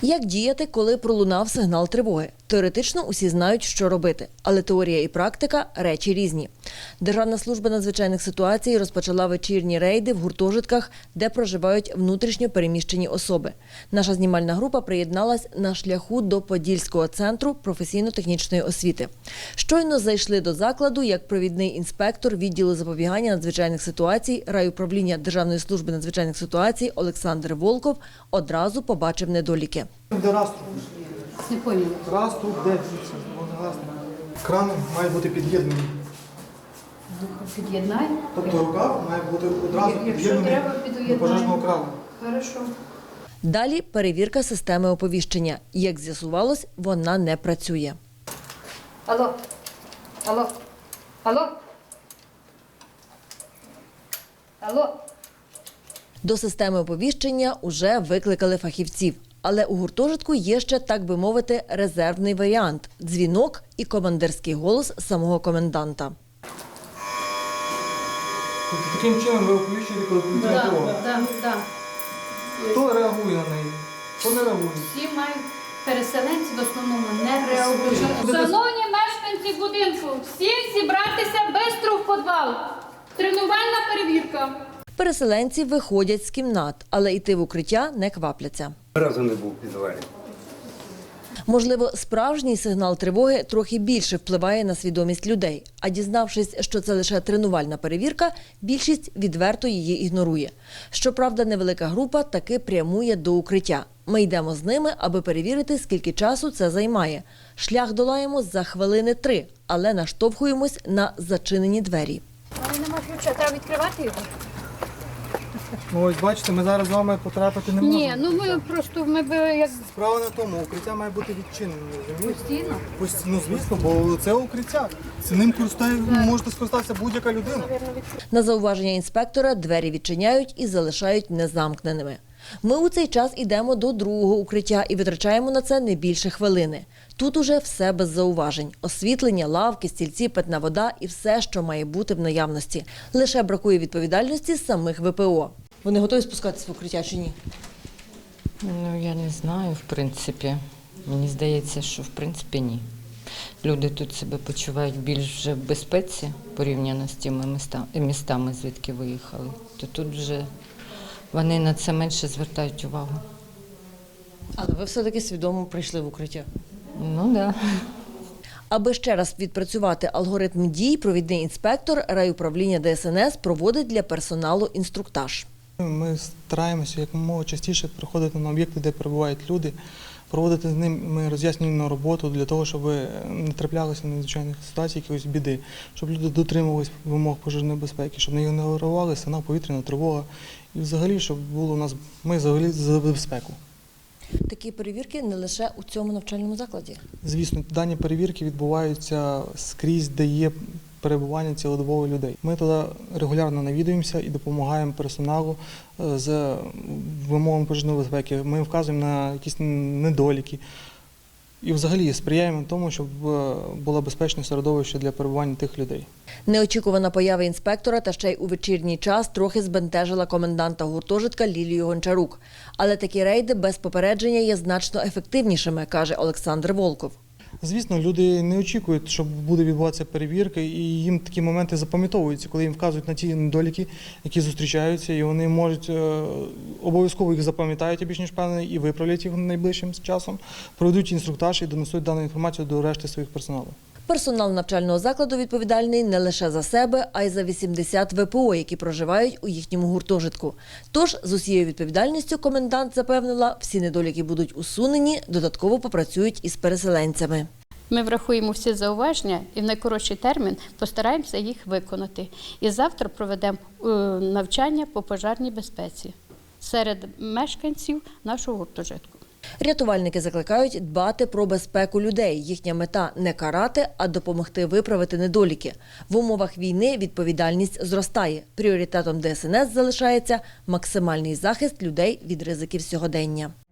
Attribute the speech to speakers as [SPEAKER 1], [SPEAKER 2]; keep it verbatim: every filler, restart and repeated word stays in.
[SPEAKER 1] Як діяти, коли пролунав сигнал тривоги? Теоретично усі знають, що робити, але теорія і практика – речі різні. Державна служба надзвичайних ситуацій розпочала вечірні рейди в гуртожитках, де проживають внутрішньо переміщені особи. Наша знімальна група приєдналась на шляху до Подільського центру професійно-технічної освіти. Щойно зайшли до закладу, як провідний інспектор відділу запобігання надзвичайних ситуацій райуправління Державної служби надзвичайних ситуацій Олександр Волков одразу побачив недоліки.
[SPEAKER 2] Де раструб?
[SPEAKER 3] Не поняла.
[SPEAKER 2] Раструб, де дивіться? Кран має бути під'єднаний.
[SPEAKER 3] Під'єднай.
[SPEAKER 2] Тобто рукав має бути одразу
[SPEAKER 3] Якщо
[SPEAKER 2] під'єднаний
[SPEAKER 3] треба,
[SPEAKER 2] до
[SPEAKER 3] під'єднай.
[SPEAKER 2] пожежного крану.
[SPEAKER 3] Хорошо.
[SPEAKER 1] Далі перевірка системи оповіщення. Як з'ясувалось, вона не працює.
[SPEAKER 3] Алло. Алло. Алло. Алло.
[SPEAKER 1] До системи оповіщення уже викликали фахівців. Але у гуртожитку є ще, так би мовити, резервний варіант – дзвінок і командирський голос самого коменданта.
[SPEAKER 2] Тобто таким чином ви оповіщуєте, коли повітряна
[SPEAKER 3] Так,
[SPEAKER 2] тривога.
[SPEAKER 3] так, так.
[SPEAKER 2] Хто реагує на неї? Хто не реагує?
[SPEAKER 3] Всі мають переселенці в основному не реагують.
[SPEAKER 4] Шановні мешканці будинку, всім зібратися бистро в підвал. Тренувальна перевірка.
[SPEAKER 1] Переселенці виходять з кімнат, але йти в укриття не квапляться.
[SPEAKER 5] Разу не був в підвалі.
[SPEAKER 1] Можливо, справжній сигнал тривоги трохи більше впливає на свідомість людей. А дізнавшись, що це лише тренувальна перевірка, більшість відверто її ігнорує. Щоправда, невелика група таки прямує до укриття. Ми йдемо з ними, аби перевірити, скільки часу це займає. Шлях долаємо за хвилини три, але наштовхуємось на зачинені двері.
[SPEAKER 3] Але нема ключа, треба відкривати його?
[SPEAKER 2] Ну ось бачите, ми зараз з вами потрапити не можемо.
[SPEAKER 3] Ні, ну ми просто, ми би як
[SPEAKER 2] Справа не в тому, укриття має бути відчинене, розумієте?
[SPEAKER 3] постійно.
[SPEAKER 2] Ось, ну звісно, бо це укриття. Цим користає, можете скористатися будь-яка людина.
[SPEAKER 1] На зауваження інспектора двері відчиняють і залишають незамкненими. Ми у цей час йдемо до другого укриття і витрачаємо на це не більше хвилини. Тут уже все без зауважень. Освітлення, лавки, стільці, питна вода і все, що має бути в наявності. Лише бракує відповідальності самих ве пе о. Вони готові спускатися в укриття чи ні?
[SPEAKER 6] Ну, я не знаю, в принципі. Мені здається, що в принципі ні. Люди тут себе почувають більш вже в безпеці порівняно з тими міста- містами, звідки виїхали. То тут вже вони на це менше звертають увагу.
[SPEAKER 1] Але ви все-таки свідомо прийшли в укриття.
[SPEAKER 6] Ну, так. Да.
[SPEAKER 1] Аби ще раз відпрацювати алгоритм дій, провідний інспектор райуправління де ес ен ес проводить для персоналу інструктаж.
[SPEAKER 2] Ми стараємося якомога частіше приходити на об'єкти, де перебувають люди, проводити з ними роз'яснювальну роботу для того, щоб не траплялися надзвичайних ситуацій, якоїсь біди, щоб люди дотримувалися вимог пожежної безпеки, щоб не ігнорували сигнал повітряна тривога і взагалі, щоб було у нас, ми взагалі за безпеку.
[SPEAKER 1] Такі перевірки не лише у цьому навчальному закладі.
[SPEAKER 2] Звісно, дані перевірки відбуваються скрізь, де є перебування цілодобово людей. Ми туди регулярно навідуємося і допомагаємо персоналу з вимогами пожежної безпеки. Ми вказуємо на якісь недоліки і взагалі сприяємо тому, щоб було безпечне середовище для перебування тих людей.
[SPEAKER 1] Неочікувана поява інспектора та ще й у вечірній час трохи збентежила коменданта гуртожитка Лілію Гончарук. Але такі рейди без попередження є значно ефективнішими, каже Олександр Волков.
[SPEAKER 2] Звісно, люди не очікують, що буде відбуватися перевірка, і їм такі моменти запам'ятовуються, коли їм вказують на ті недоліки, які зустрічаються, і вони можуть обов'язково їх запам'ятають, я більш ніж впевнений, і виправлять їх найближчим часом, проведуть інструктаж і донесуть дану інформацію до решти своїх персоналів.
[SPEAKER 1] Персонал навчального закладу відповідальний не лише за себе, а й за вісімдесят ве пе о, які проживають у їхньому гуртожитку. Тож, з усією відповідальністю, комендант запевнила, всі недоліки будуть усунені, додатково попрацюють із переселенцями.
[SPEAKER 4] Ми врахуємо всі зауваження і в найкоротший термін постараємося їх виконати. І завтра проведемо е, навчання по пожежній безпеці серед мешканців нашого гуртожитку.
[SPEAKER 1] Рятувальники закликають дбати про безпеку людей. Їхня мета – не карати, а допомогти виправити недоліки. В умовах війни відповідальність зростає. Пріоритетом де ес ен ес залишається максимальний захист людей від ризиків сьогодення.